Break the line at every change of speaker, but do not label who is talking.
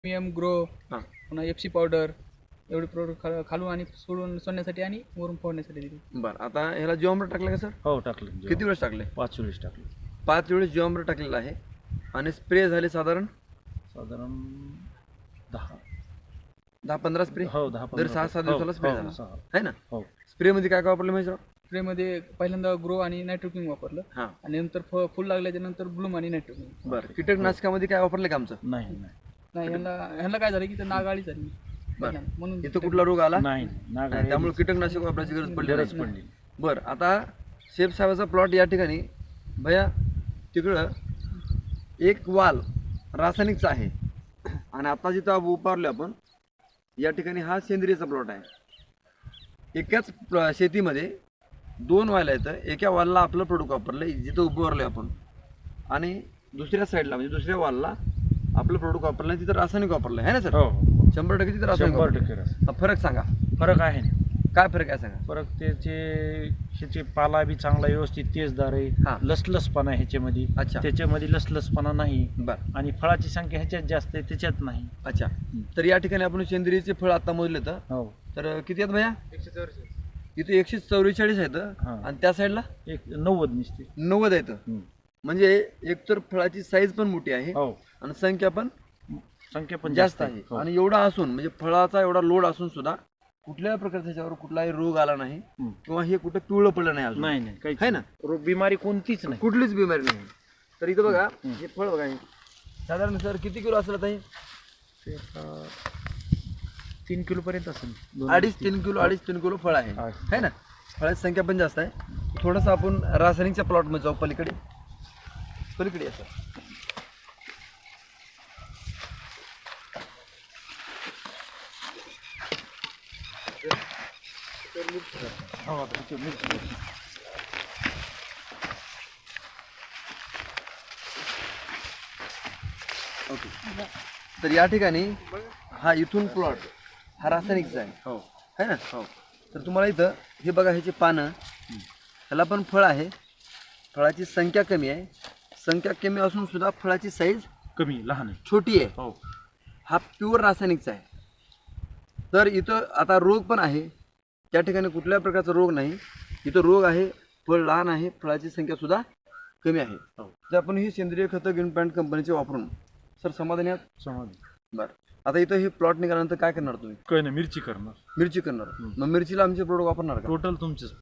Premium grow,
हां
पुन्हा FC powder एवढे प्रोडक्ट खालून आणि सोडून सोडण्यासाठी आणि वरून फोडण्यासाठी दिली.
बरं, आता ह्याला जीवामृत टाकलं का सर?
हो टाकलं.
किती वेळेस टाकले?
5 वेळेस टाकलं.
5 वेळेस जीवामृत टाकलेलं आहे आणि स्प्रे झाले साधारण
साधारण 10
10-15 स्प्रे
हो 10
दर 6-7 दिवसाला स्प्रे झाला
सहा.
आहे ना?
हो
स्प्रेमध्ये काय काय वापरलं माहिती?
स्प्रेमध्ये पहिल्यांदा ग्रो आणि नायट्रोकिंग वापरलं
हां
आणि नंतर फुल लागल्याच्या नंतर ब्लूम आणि नायट्रोकिंग.
बरं, कीटकनाशकामध्ये काय वापरलं का आमचं?
नाही नाही
नाही, ह्यांना काय झालं की ते नागाळी झाली
बरं,
म्हणून
इथं कुठला रोग आला?
नाही
नाही, त्यामुळे कीटकनाशक वापरायची गरज पडली
गरज
नाही.
पडली.
बरं, आता शेफ साहेबाचा प्लॉट या ठिकाणी भैया तिकडं एक वाल रासायनिकचा आहे आणि आता जिथं उभारलो आपण या ठिकाणी हा सेंद्रियचा प्लॉट आहे. एकाच शेतीमध्ये 2 वाल आहेत. एका वालला आपलं प्रोडक्ट वापरलं जिथं उभारलो आपण आणि दुसऱ्या साईडला म्हणजे दुसऱ्या वालला आपलं प्रोडक्ट वापरलं तिथं रासायनिक वापरलं आहे ना सर?
हो
100% तिथं रासायनिक
100% रस.
वापरलं. फरक सांगा,
फरक आहे ना.
काय फरक आहे सांगा?
फरक ह्याचे पाला बी चांगला व्यवस्थित तेजदार
हा.
आहे. लसलसपणा आहे ह्याच्यामध्ये.
अच्छा.
त्याच्यामध्ये लसलसपणा नाही
बरं,
आणि फळाची संख्या ह्याच्यात जास्त आहे त्याच्यात नाही.
अच्छा. तर या ठिकाणी आपण सेंद्रियचे फळ आता मोजले
हो
तर किती आहेत भैया? इथे 144 आहेत
हा.
आणि त्या साईडला
एक 90 निसते.
90 आहेत. म्हणजे एकतर फळाची साईज पण मोठी आहे
हो
आणि संख्या पण
संख्या पण
जास्त आहे
हो.
आणि एवढा असून म्हणजे फळाचा एवढा लोड असून सुद्धा कुठल्याही प्रकारचा त्याच्यावर कुठलाही रोग आला नाही किंवा हे कुठं पिवळं पडलं नाही अजून
नाही नाही काही
आहे ना?
रोग बिमारी कोणतीच नाही.
कुठलीच बिमारी नाही. तर इथं बघा हे फळ बघा हे साधारण सर किती किलो असलं ताई?
ते आता 3 किलो पर्यंत असेल.
2.5-3 किलो 2.5-3 किलो फळ आहे है ना? फळाची संख्या पण जास्त आहे. थोडंसं आपण रासायनिकच्या प्लॉटमध्ये जाऊ पलीकडे पलीकडे या सर.
हो, आता इथे मिरची.
ओके. तर या ठिकाणी हा इथून प्लॉट हा रासायनिकचा आहे
हो
है ना?
हो
तर तुम्हाला इथं हे बघा ह्याची पानं ह्याला पण फळ आहे. फळाची संख्या कमी आहे. संख्या कमी असून सुद्धा फळाची साईज
कमी लहान आहे.
छोटी आहे.
हो
हा प्युअर रासायनिकचा आहे. तर इथं आता रोग पण आहे. त्या ठिकाणी कुठल्याही प्रकारचा रोग नाही. इथं रोग आहे, फळ लहान आहे, फळाची संख्या सुद्धा कमी आहे.
हो.
तर आपण ही सेंद्रिय खतं ग्रीन पॅन्ट कंपनीचे वापरून सर समाधानी आहात?
समज.
बरं, आता इथं हे प्लॉट निघाल्यानंतर काय करणार तुम्ही?
काही नाही मिरची करणार.
मिरची करणार. मग मिरचीला आमचे प्रोडक्ट वापरणार का?
टोटल तुमचेच